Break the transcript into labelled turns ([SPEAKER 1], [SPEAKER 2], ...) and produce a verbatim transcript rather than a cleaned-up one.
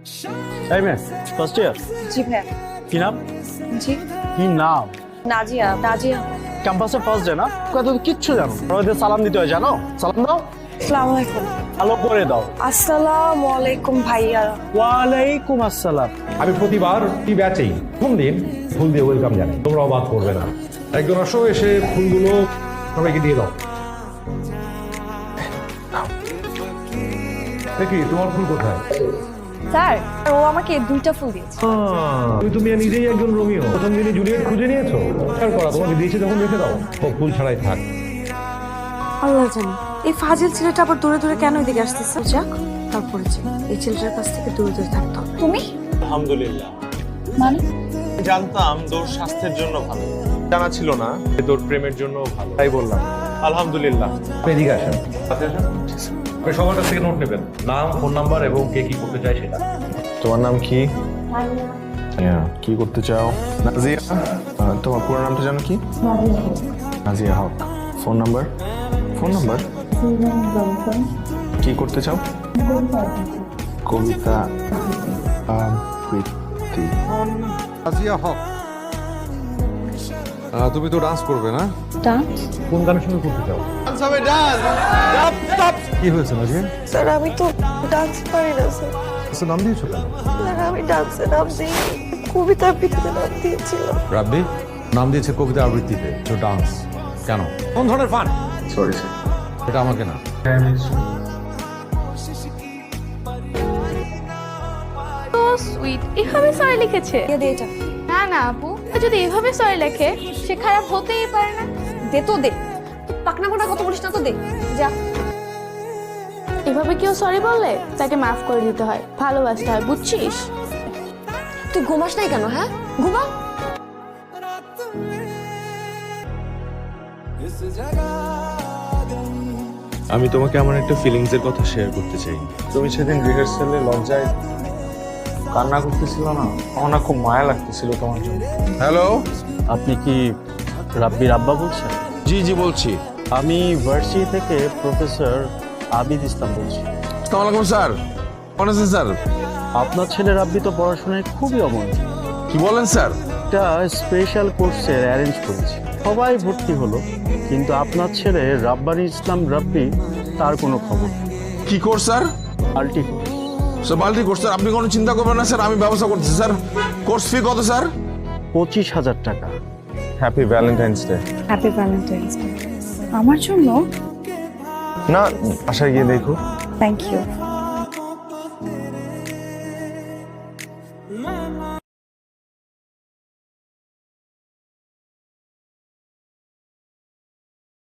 [SPEAKER 1] এই মেয়ে first year
[SPEAKER 2] জি ভাইয়া।
[SPEAKER 1] কি নাম?
[SPEAKER 2] জি
[SPEAKER 1] কি নাম?
[SPEAKER 2] নাজিয়া। নাজিয়া।
[SPEAKER 1] ক্যাম্পাসে ফার্স্ট ডে না, কত কিচ্ছু জানো না। ওদের সালাম দিতে হয়, জানো? সালাম দাও,
[SPEAKER 2] আসসালামু আলাইকুম।
[SPEAKER 1] ভালো করে দাও।
[SPEAKER 2] আসসালামু আলাইকুম ভাইয়া।
[SPEAKER 1] ওয়ালাইকুম আসসালাম।
[SPEAKER 3] আমি প্রতিবার এই ব্যাচেই প্রথম দিন ফুল দিয়ে ওয়েলকাম জানাই, তোমরা অবাক করবে না। একজন আসো, এসে ফুলগুলো সবাইকে দিয়ে দাও। দেখি তোমার ফুল কোথায়?
[SPEAKER 2] স্যার ও আমাকে দুইটা ফুল দিয়েছে।
[SPEAKER 3] তুমি তুমি নিজেই একজন রোমিও, প্রথম দিনে জুলিয়েট খুঁজে নিয়েছো। আর করা তোমাকে দিয়েছে যখন রেখে দাও, ও ফুল ছাড়াই থাক।
[SPEAKER 4] আল্লাহ জানে এই ফাজিল ছেলেটা আবার দূরে দূরে কেন এদিকে আসতেছে। যাক তারপরে যে এই ছেলেটার কাছ থেকে দূরে দূরে থাকতে হবে।
[SPEAKER 2] তুমি
[SPEAKER 5] আলহামদুলিল্লাহ।
[SPEAKER 2] মানে
[SPEAKER 5] জানতাম দৌড় স্বাস্থ্যের জন্য ভালো, জানা ছিল না যে দৌড় প্রেমের জন্য ভালো, তাই বললাম আলহামদুলিল্লাহ।
[SPEAKER 3] আপনি এদিকে আসেন। আপনি সবার কাছ থেকে নোট নেবেন, নাম, ফোন নাম্বার এবং কে কি করতে চায় সেটা।
[SPEAKER 6] তোমার নাম কি? হ্যাঁ, কি করতে চাও? নাজিয়া। আহ, তোমার পুরো নামটা জানো কি? Naziya Haq. Phone number? Phone number কি করতে চাও? কবিতা আবৃত্তি।
[SPEAKER 7] নাজিয়া হক, আহ, তুমি তো ডান্স করবে না?
[SPEAKER 2] ডান্স?
[SPEAKER 3] কোন গানের সঙ্গে করতে চাও? কি হয়েছে নাজিয়া?
[SPEAKER 4] স্যার আমি তো ডান্স পারি না স্যার।
[SPEAKER 3] আচ্ছা, নাম দিয়েছো কেন?
[SPEAKER 4] স্যার আমি ডান্সে নাম দিই, কবিতা আবৃত্তিতে নাম দিয়েছিল।
[SPEAKER 7] রাব্বি নাম দিয়েছে কবিতা আবৃত্তিতে, তো ডান্স কেন? কোন ধরনের ফান?
[SPEAKER 6] Sorry sir.
[SPEAKER 7] এটা আমাকে না।
[SPEAKER 8] তো সুইট, এভাবে সরি লিখেছে?
[SPEAKER 2] দিয়ে দে এটা।
[SPEAKER 8] না না আপু, যদি এভাবে সরি লেখে সে খারাপ হতেই পারে না।
[SPEAKER 2] দে তো দে, পাকনা কোটা কত বলিস না তো দে যা।
[SPEAKER 8] এভাবে কেউ সরি বললে তাকে মাফ করে দিতে হয়, ভালোবাসতে হয়, বুঝছিস?
[SPEAKER 2] তুই ঘুমাস নাই কেন? হ্যাঁ ঘুমা।
[SPEAKER 5] আমি তোমাকে আমার একটা ফিলিংস এর কথা শেয়ার করতে চাই। তুমি সেদিন রিহার্সালে লজ্জায় কান্না করতেছিল না, আমার না খুব মায়া লাগতেছিল তোমার জন্য।
[SPEAKER 7] হ্যালো,
[SPEAKER 1] আপনি কি রাব্বির আব্বা বলছেন?
[SPEAKER 7] জি জি বলছি।
[SPEAKER 1] আমি ভার্সিটি থেকে প্রফেসর আবিদ ইসলাম বলছি।
[SPEAKER 7] আসসালামু স্যার। কেমন আছেন স্যার?
[SPEAKER 1] আপনার ছেলে রাব্বি তো পড়াশোনায় খুবই অমনোযোগী।
[SPEAKER 7] কি বলেন স্যার?
[SPEAKER 1] একটা স্পেশাল কোর্সের অ্যারেঞ্জ করেছি, সবাই ভর্তি হলো, কিন্তু আপনার ছেলে রাব্বানি ইসলাম রাব্বি, তার কোনো খবর নেই।
[SPEAKER 7] কি কোর্স স্যার?
[SPEAKER 1] আল্টি কোর্স।
[SPEAKER 7] স্যার বালতি কোর্স স্যার, আপনি কোনো চিন্তা করবেন না স্যার, আমি ব্যবস্থা করতেছি স্যার। কোর্স ফি কত স্যার?
[SPEAKER 1] পঁচিশ হাজার টাকা।
[SPEAKER 5] Happy valentine's day.
[SPEAKER 2] Happy valentine's day. আমার জন্য?
[SPEAKER 5] না, বাসায় গিয়ে দেখো।
[SPEAKER 2] Thank you.